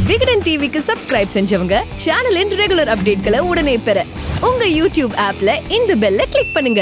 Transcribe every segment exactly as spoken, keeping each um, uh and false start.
விகடன் டிவிக்கு சப்ஸ்கிரைப் செஞ்சவங்க சேனலின் ரெகுலர் அப்டேட்களை உடனே பெற உங்க யூடியூப் ஆப்ல இந்த பெல்ல கிளிக் பண்ணுங்க.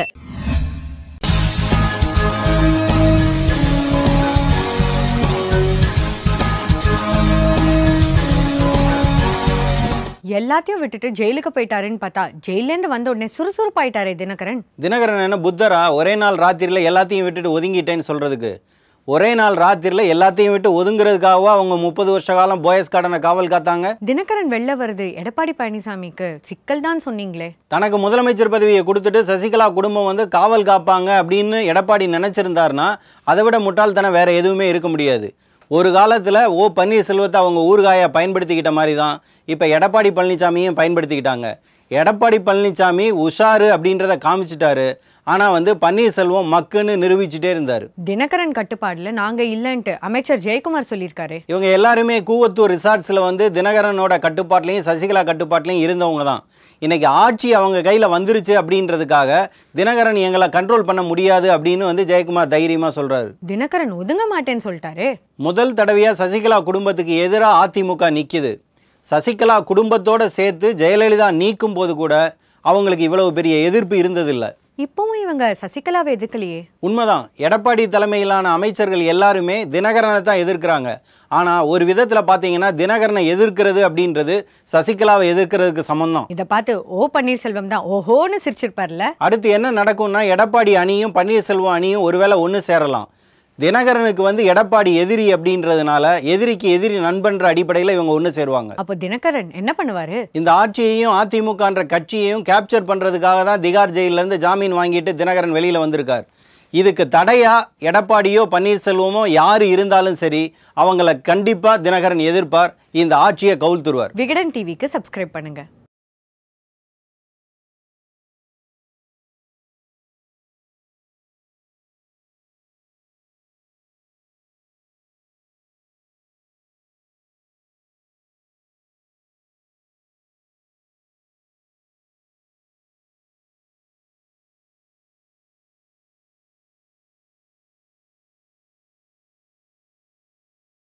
எல்லாத்தையும் விட்டுட்டு ஜெயிலுக்கு போயிட்டாருன்னு பார்த்தா ஜெயில இருந்து வந்த உடனே சுறுசுறுப்பாயிட்டாரே தினகரன். தினகரன் என்ன புத்தரா ஒரே நாள் ராத்திரில எல்லாத்தையும் விட்டுட்டு ஒதுங்கிட்டேன்னு சொல்றதுக்கு? ஒரே நாள் ராத்திரில எல்லாத்தையும் விட்டு ஒதுங்குறதுக்காக அவங்க முப்பது வருஷ காலம் போயஸ் கார்டனை காவல் காத்தாங்க. தினகரன் வெளில வருது எடப்பாடி பழனிசாமிக்கு சிக்கல் தான் சொன்னீங்களே. தனக்கு முதலமைச்சர் பதவியை கொடுத்துட்டு சசிகலா குடும்பம் வந்து காவல் காப்பாங்க அப்படின்னு எடப்பாடி நினைச்சிருந்தாருன்னா அதை விட முட்டாள்தனம் வேற எதுவுமே இருக்க முடியாது. ஒரு காலத்தில் ஓ பன்னீர்செல்வத்தை அவங்க ஊறுகாயை பயன்படுத்திக்கிட்ட மாதிரி தான் இப்போ எடப்பாடி பழனிசாமியும் பயன்படுத்திக்கிட்டாங்க. எடப்பாடி பழனிசாமி உஷாரு அப்படின்றத காமிச்சிட்டாரு. ஆனால் வந்து பன்னீர்செல்வம் மக்குன்னு நிரூபிச்சுட்டே இருந்தார். தினகரன் கட்டுப்பாடுல நாங்கள் இல்லைன்ட்டு அமைச்சர் ஜெயக்குமார் சொல்லியிருக்காரு. இவங்க எல்லாருமே கூவத்தூர் ரிசார்ட்ஸில் வந்து தினகரனோட கட்டுப்பாட்டிலையும் சசிகலா கட்டுப்பாட்டிலையும் இருந்தவங்க தான். இன்னைக்கு ஆட்சி அவங்க கையில் வந்துருச்சு அப்படின்றதுக்காக தினகரன் எங்களை கண்ட்ரோல் பண்ண முடியாது அப்படின்னு வந்து ஜெயக்குமார் தைரியமாக சொல்கிறாரு. தினகரன் ஒதுங்க மாட்டேன்னு சொல்லிட்டாரு. முதல் தடவையாக சசிகலா குடும்பத்துக்கு எதிராக அதிமுக நிற்கிது. சசிகலா குடும்பத்தோடு சேர்த்து ஜெயலலிதா நீக்கும் போது கூட அவங்களுக்கு இவ்வளவு பெரிய எதிர்ப்பு இருந்ததில்லை. இப்பவும் இவங்க சசிகலாவை எதிர்க்கலையே. உண்மைதான். எடப்பாடி தலைமையிலான அமைச்சர்கள் எல்லாருமே தினகரனை தான் எதிர்க்கிறாங்க. ஆனால் ஒரு விதத்தில் பார்த்தீங்கன்னா தினகரனை எதிர்க்கிறது அப்படின்றது சசிகலாவை எதிர்க்கிறதுக்கு சமம். இதை பார்த்து ஓ பன்னீர்செல்வம் தான் ஓஹோன்னு சிரிச்சிருப்பார்ல. அடுத்து என்ன நடக்கும்னா எடப்பாடி அணியும் பன்னீர்செல்வம் அணியும் ஒருவேளை ஒன்று சேரலாம். தினகரனுக்கு வந்து எடப்பாடி எதிரி அப்படின்றதுனால எதிரிக்கு எதிரி நண்பன்ற அடிப்படையில் இவங்க ஒன்று சேருவாங்க. அப்போ தினகரன் என்ன பண்ணுவாரு? இந்த ஆட்சியையும் அதிமுகன்ற கட்சியையும் கேப்சர் பண்றதுக்காக தான் திகார் ஜெயிலிருந்து ஜாமீன் வாங்கிட்டு தினகரன் வெளியில வந்திருக்கார். இதுக்கு தடையா எடப்பாடியோ பன்னீர்செல்வமோ யாரு இருந்தாலும் சரி அவங்களை கண்டிப்பா தினகரன் எதிர்ப்பார். இந்த ஆட்சியை கவுழ்த்துருவார். விகடன் டிவிக்கு சப்ஸ்கிரைப் பண்ணுங்க.